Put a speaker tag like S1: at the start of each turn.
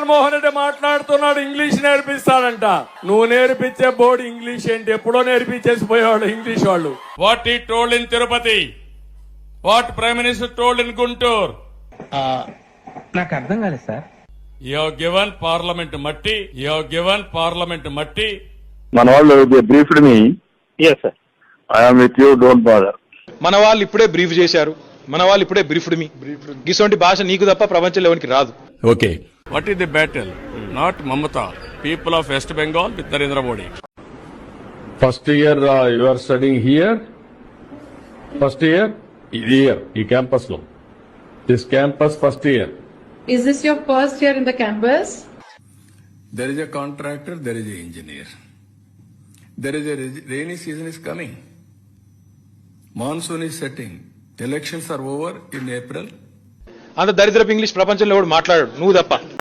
S1: జగన్మోహన్ రెడ్డి మాట్లాడుతున్నాడు ఇంగ్లీష్ నేర్పిస్తాడంట. నువ్వు నేర్పించే బోర్డు ఇంగ్లీష్ ఏంటి? ఎప్పుడో నేర్పించేసి పోయేవాళ్ళు ఇంగ్లీష్ వాళ్ళు. What he told in Tirupati, what prime minister told in Guntur.
S2: నాకు అర్థం కాలేదు sir.
S1: You have given parliament మట్టి, యు హావ్ గివెన్ పార్లమెంట్ మట్టి.
S3: మన వాళ్ళు briefed me.
S4: Yes, sir.
S3: I'm with you, don't bother.
S5: మన వాళ్ళు ఇప్పుడే బ్రీఫ్ చేశారు, మన వాళ్ళు ఇప్పుడే బ్రీఫ్డ్ మీ. ఇటువంటి భాష నీకు తప్ప ప్రపంచంలో ఎవరికి రాదు.
S1: Okay, what is the battle? Not Mamata, people of West Bengal with Narendra Modi.
S6: First year you are studying here. First year here, ఈ campus లో. This campus first year.
S7: Is this your first year in the campus?
S8: There is a contractor, there is an engineer. There is a rainy season is coming. Monsoon is setting. Elections are over in April.
S5: అంత దరిద్రపు English ప్రపంచంలో ఎవడు మాట్లాడాడు, నువ్వు తప్ప.